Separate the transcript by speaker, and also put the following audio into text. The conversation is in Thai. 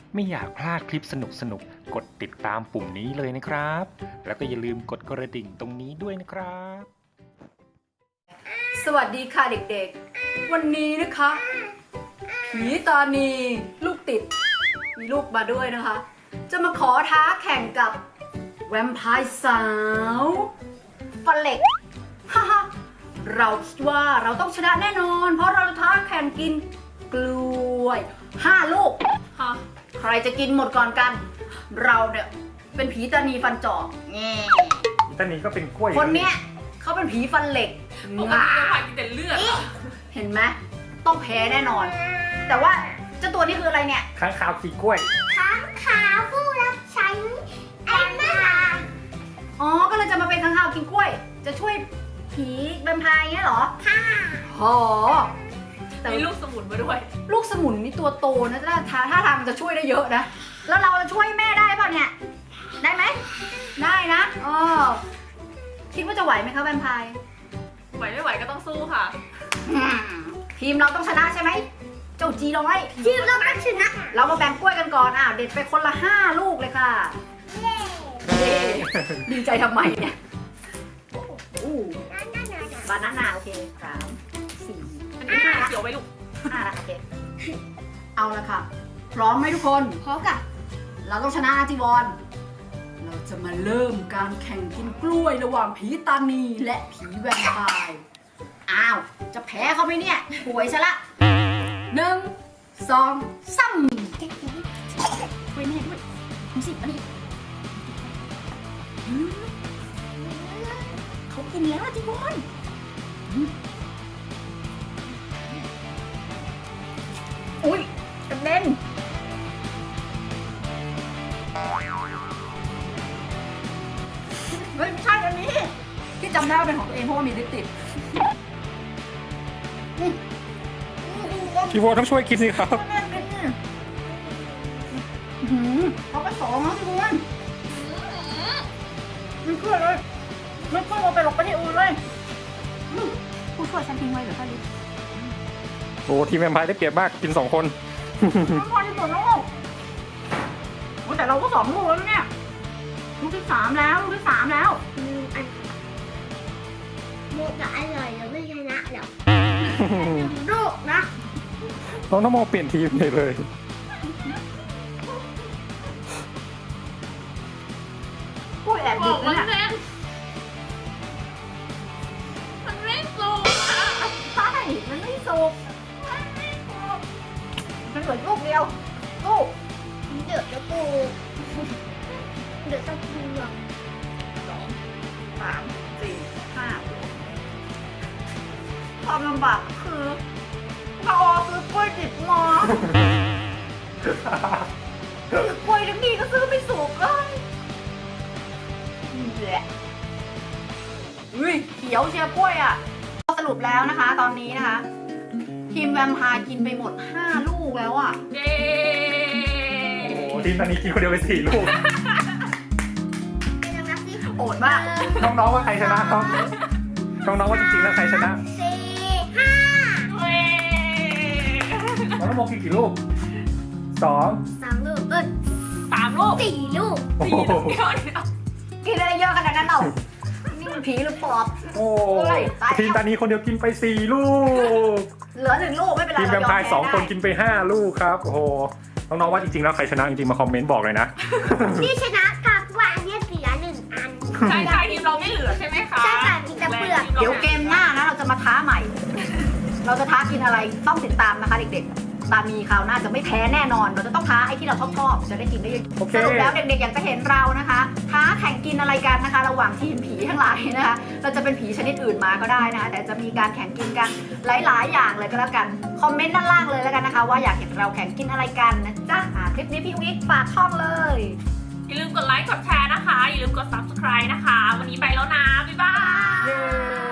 Speaker 1: ไม่อยากพลาดคลิปสนุกกดติดตามปุ่มนี้เลยนะครับ แล้วก็อย่าลืมกดกระดิ่งตรงนี้ด้วยนะครับ
Speaker 2: สวัสดีค่ะเด็กๆ วันนี้นะคะผีตานีลูกติดมีลูกมาด้วยนะคะ จะมาขอท้าแข่งกับแวมไพร์สาวฟันเหล็กฮ่าฮ่าเราคิดว่าเราต้องชนะแน่นอน เพราะเราจะท้าแข่งกินกล้วย5 ลูกฮะใครจะกินหมดก่อนกัน เราเนี่ยเป็นผีตานีฟันจอบแง่
Speaker 1: ตอนนี้ก็เป็นกล้วย
Speaker 2: คนเนี้ยเขาเป็นผีฟันเหล็ก
Speaker 3: ปกติเราพายกินแต่เลือดอะ
Speaker 2: เห็นไหมต้องแพ้แน่นอน แต่ว่าเจ้าตัวนี้คืออะไรเนี่ย
Speaker 1: ค้างคาวขี่กล้วย
Speaker 4: ค้างคาวผู้รับใช้ไอ้แม่ลา
Speaker 2: อ๋อ ก็เลยจะมาเป็นข้างคาวกินกล้วย จะช่วยผีแวมไพร์เงี้ยเหรอ
Speaker 4: ค่ะ
Speaker 2: หอแต่
Speaker 3: มีลูกสมุนมาด้วย
Speaker 2: ลูกสมุนนี่ตัวโตนะถ้าทางมันจะช่วยได้เยอะนะ แล้วเราจะช่วยแม่ได้ป่ะเนี่ย ได้ไหม ได้นะอ๋อคิดว่าจะไหวไหมคะแวมไพร์
Speaker 3: ไหวไม่ไหวก็ต้องสู้ค่ะ
Speaker 2: อืมทีมเราต้องชนะใช่ไหม เจ้าจีน้อย
Speaker 4: ทีมเราต้องชนะ
Speaker 2: เรามาแบ่งกล้วยกันก่อนเด็ดไปคนละ5 ลูกเลยค่ะ
Speaker 4: เย้
Speaker 2: เย้ดีใจทำไมเนี่ยอู้
Speaker 4: นั่นนั่นนั่น
Speaker 2: บานาน่าโอเค3 4
Speaker 3: อันนี้เขียวไว้ลูก
Speaker 2: 5ละโอเค เอาละค่ะ พร้อมไหมทุกคน
Speaker 4: พร้อมกับ
Speaker 2: เราต้องชนะอาจิวอนเราจะมาเริ่มการแข่งกินกล้วยระหว่างผีตานีและผีแวมไพร์อ้าว จะแพ้เขาไหมเนี่ยป่วยซะละ1 2 3ช่วยแม่ด้วยดูสิอันนี้เขากินแล้วอาจิวอนอุ้ยกระเด็นไม่ใช่อันนี้ ที่จำได้ว่าเป็นของตัวเองเพราะว่ามีลิปติด
Speaker 1: พี่โวต้องช่วยกินสิครับ
Speaker 2: แม่กินเนี่ยเขาไป2แล้วทุกคนไม่เชื่อเลยไม่เชื่อเราไปหลบไปที่อื่นเลยผู้ช่วยฉันทิ้งไว้เหรือคะลิป
Speaker 1: โอ้ทีมแวมไพร์ได้เปรียบมากกิน2 คน
Speaker 2: ไม่พอที่สุดแล้วโอ้แต่เราก็2 ลูกแล้วเนี่ยลูกที่ 3แล้วลูกที่ 3แล้ว
Speaker 4: อันโมจะอร่อยเราไม่ชนะหรอกลูกนะ
Speaker 1: น้องนโมเปลี่ยนทีมเลย
Speaker 2: ผู้แอบ
Speaker 3: บ
Speaker 2: ดิ
Speaker 3: อบ กมัน
Speaker 2: เนี่ย
Speaker 3: แน่นมันไม่สู้อะ
Speaker 2: ใช่มันไม่สุกมันเหลือลูกเดียวลูก
Speaker 4: เดือดจะปูเดือดจะปูหรอก
Speaker 2: 2 3 4 5ความลำบากคือเราซื้อกล้วยดิบมาซื้อกล้วยทั้งทีก็ซื้อไม่สุกเลยแหละอุ้ยเขียวเชียร์กล้วยอ่ะสรุปแล้วนะคะ ตอนนี้นะคะ ทีมแวมไพร์กินไปหมด5 ลูกแล้วอ่ะ
Speaker 3: เย้
Speaker 1: โอ้ทีมตอนนี้กินคนเดียวไป4 ลูก
Speaker 4: เป็นนับสิ
Speaker 2: โอดมาก
Speaker 1: น้องๆว่าใครชนะครับน้องๆว่าจริงๆแล้วใครชนะ
Speaker 4: 4 5
Speaker 3: เว้ย
Speaker 1: น้องนโมกินกี่ลูก2
Speaker 4: 3 ลูก
Speaker 3: 3 ลูก
Speaker 4: 4 ลูก
Speaker 1: โอ้
Speaker 3: สี่
Speaker 1: โห
Speaker 3: ลูกเดียวเนี่ย
Speaker 2: กินอะไรเยอะขนาดนั้นเรานี่มันผีหรือปอบ
Speaker 1: โอ้
Speaker 2: เฮ้ยตายแล้ว
Speaker 1: ทีมตอนนี้คนเดียวกินไป4 ลูก
Speaker 2: เหลือ1 ลูกไม่เป็นไร
Speaker 1: ทีมแวมไพร์
Speaker 2: เายอ
Speaker 1: 2 คนกินไป5 ลูกครับ โอ้โห น้องๆว่าจริงๆแล้วใครชนะจริงๆมาคอมเมนต์บอกเลยนะ
Speaker 4: นี่ชนะกับว่าอันนี้เสีย1 อัน
Speaker 3: ใช่ใช่ทีมเราไม่เหลือใช่ไหมคะ
Speaker 4: ใช่ค่ะมีแต่เปลือก
Speaker 2: เดี๋ยวเกมหน้านะเราจะมาท้าใหม่ เราจะท้ากินอะไรต้องติดตามนะคะเด็กๆ ตามีคราวหน้าจะไม่แพ้แน่นอน เราจะต้องท้าไอ้ที่เราชอบจะได้กินได้เยอะ
Speaker 1: โอเค
Speaker 2: สรุปแล้วเด็กๆอยากจะเห็นเรานะคะ ท้าแข่งกินอะไรกันนะคะ ระหว่างทีมผีทั้งหลายนะคะ เราจะเป็นผีชนิดอื่นมาก็ได้นะคะ แต่จะมีการแข่งกินกันหลายๆ อย่างเลยก็แล้วกัน คอมเมนต์ด้านล่างเลยแล้วกันนะคะ ว่าอยากเห็นเราแข่งกินอะไรกันนะจ๊ะคลิปนี้พี่อุ๊กฝากช่องเลย
Speaker 3: อย่าลืมกดไลค์กดแชร์นะคะ อย่าลืมกด subscribe นะคะ วันนี้ไปแล้วนะ บ๊ายบาย
Speaker 2: เย้